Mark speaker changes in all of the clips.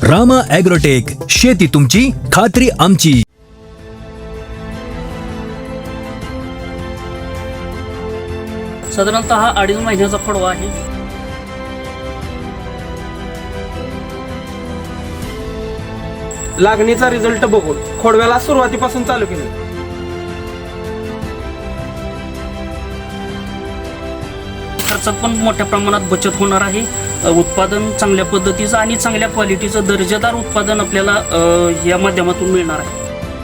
Speaker 1: Rama agrotech, शेती तुमची, खात्री आमची.
Speaker 2: साधारणतः हा 2.5 महिन्याचा खोडवा आहे.
Speaker 3: लागणीचा रिझल्ट बघून खोडव्याला सुरुवातीपासून चालू केलं.
Speaker 2: खर्चात पण मोठ्या प्रमाणात बचत होणार आहे. उत्पादन चांगल्या पद्धतीचं आणि चांगल्या क्वालिटीचं दर्जेदार उत्पादन आपल्याला या माध्यमातून मिळणार आहे.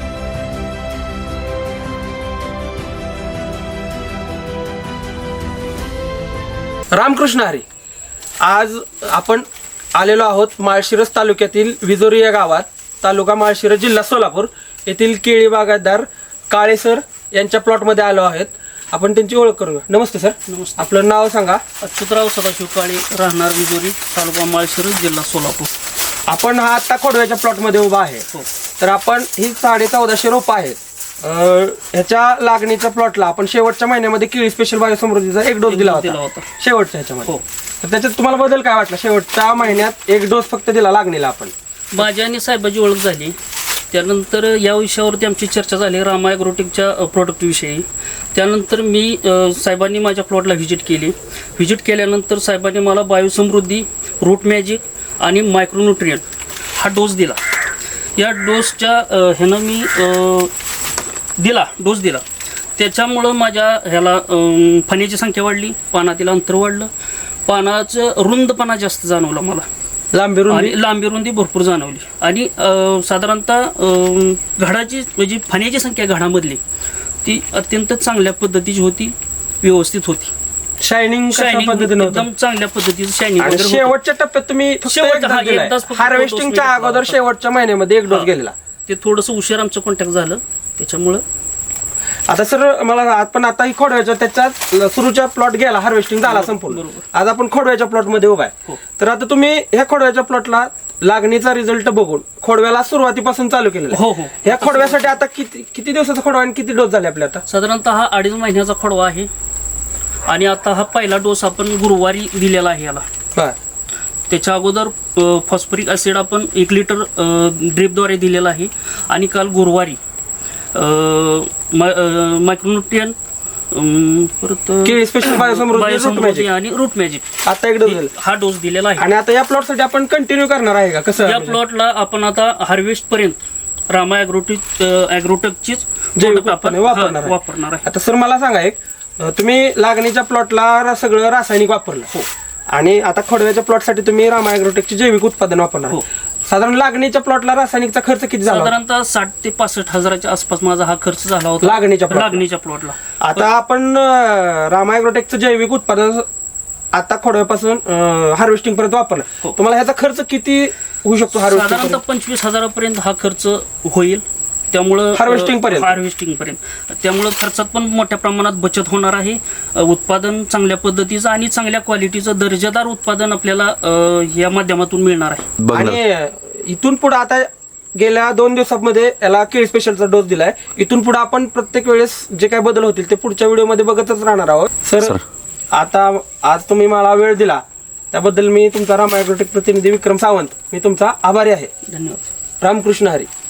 Speaker 3: रामकृष्ण हरी. आज आपण आलेलो आहोत माळशिरस तालुक्यातील विजोरी या गावात, तालुका माळशिरस, जिल्हा सोलापूर येथील केळी बागायतदार काळे सर यांच्या प्लॉटमध्ये आलो आहेत. आपण त्यांची ओळख करून घेऊ. नमस्ते सर.
Speaker 2: नमस्ते.
Speaker 3: आपलं नाव सांगा.
Speaker 2: अच्युतराव सदाशिव काळे, राहणार विजोरी, तालुका माळशिरस, जिल्हा सोलापूर.
Speaker 3: आपण हा आता खोडव्याच्या प्लॉटमध्ये उभा आहे. तर आपण ही 1450 रोपं आहेत. ह्याच्या लागणीच्या प्लॉटला आपण शेवटच्या महिन्यामध्ये केळी स्पेशल बायोसमृद्धीचा एक डोस दिला होता शेवटच्या ह्याच्यामध्ये. तर त्याच्यात तुम्हाला बदल काय वाटला? शेवटच्या महिन्यात एक डोस फक्त दिला लागणीला आपण.
Speaker 2: माझ्या आणि साहेबाची ओळख झाली, त्यानंतर या विषयावरती आमची चर्चा झाली रामा ॲग्रोटेकच्या प्रोडक्टविषयी. त्यानंतर मी साहेबांनी माझ्या प्लॉटला व्हिजिट केली. व्हिजिट केल्यानंतर साहेबांनी मला बायोसमृद्धी, रूट मॅजिक आणि मायक्रोन्युट्रियन हा डोस दिला. या डोसच्या ह्यानं मी डोस दिला. त्याच्यामुळं माझ्या ह्याला फण्याची संख्या वाढली, पानातील अंतर वाढलं, पानाचं रुंदपणा जास्त जाणवला मला, लांबी रुंदी भरपूर जाणवली. आणि साधारणतः घडाची म्हणजे फण्याची संख्या घडामधली ती अत्यंत चांगल्या पद्धतीची होती, व्यवस्थित होती.
Speaker 3: शायनिंग
Speaker 2: एकदम चांगल्या पद्धतीचं शायनिंग.
Speaker 3: शेवटच्या टप्प्यात तुम्ही हार्वेस्टिंगच्या अगोदर शेवटच्या महिन्यामध्ये एक डोस गेलेला.
Speaker 2: ते थोडंसं उशीर आमचं कॉन्टॅक्ट झालं त्याच्यामुळं.
Speaker 3: आता सर मला आपण आता ही खोडव्याच्या त्याच्यात सुरूच्या प्लॉट गेला, हार्वेस्टिंग झाला संपूर्ण. आज आपण खोडव्याच्या प्लॉट मध्ये उभा आहे. तर आता तुम्ही ह्या खोडव्याच्या प्लॉटला लागणीचा रिझल्ट बघून खोडव्याला सुरुवातीपासून चालू केलेला. ह्या खोडव्यासाठी आता किती दिवसाचा खोडवा आणि किती डोस झाले आपले? आता
Speaker 2: साधारणतः हा 2.5 महिन्याचा खोडवा आहे. आणि आता हा पहिला डोस आपण गुरुवारी दिलेला आहे याला. त्याच्या अगोदर फॉस्फरिक ऍसिड आपण 1 लिटर ड्रिपद्वारे दिलेला आहे. आणि काल गुरुवारी मायक्रोन्युट्रियन, परत
Speaker 3: स्पेशल बायोसमृद्धी
Speaker 2: आणि रूट मॅजिक
Speaker 3: आता एक डोस
Speaker 2: हा डोस दिलेला आहे.
Speaker 3: आणि आता या प्लॉट साठी आपण कंटिन्यू करणार आहे का कसं?
Speaker 2: या प्लॉटला आपण आता हार्वेस्ट पर्यंत रामा ॲग्रोटेकचीच आपण वापरणार आहे.
Speaker 3: आता सर मला सांगा, एक तुम्ही लागणीच्या प्लॉटला सगळं रासायनिक वापरलं आणि आता खोडव्याच्या प्लॉटसाठी तुम्ही रामा ॲग्रोटेकचे जैविक उत्पादन वापरणार. साधारण लागणीच्या प्लॉटला रासायनिकचा खर्च किती झाला?
Speaker 2: साधारणतः 60 ते 65 हजाराच्या आसपास माझा हा खर्च झाला होता लागणीच्या प्लॉटला.
Speaker 3: आता आपण रामा ॲग्रोटेकचं जैविक उत्पादन आता खोडव्यापासून हार्वेस्टिंग पर्यंत वापरलं. तुम्हाला ह्याचा खर्च किती होऊ शकतो?
Speaker 2: साधारणतः 25,000 हा खर्च होईल. त्यामुळं हार्वेस्टिंग पर्यंत त्यामुळं खर्चात पण मोठ्या प्रमाणात बचत होणार आहे. उत्पादन चांगल्या पद्धतीचं आणि चांगल्या क्वालिटीचं दर्जेदार उत्पादन आपल्याला या माध्यमातून मिळणार आहे.
Speaker 3: आणि इथून पुढे आता गेल्या 2 दिवसांमध्ये याला केळी स्पेशलचा डोस दिलाय. इथून पुढे आपण प्रत्येक वेळेस जे काय बदल होतील ते पुढच्या व्हिडिओमध्ये बघतच राहणार आहोत. सर आता आज तुम्ही मला वेळ दिला त्याबद्दल मी तुमचा रामा ॲग्रोटेक प्रतिनिधी विक्रम सावंत मी तुमचा आभारी आहे.
Speaker 2: धन्यवाद.
Speaker 3: रामकृष्ण हरी.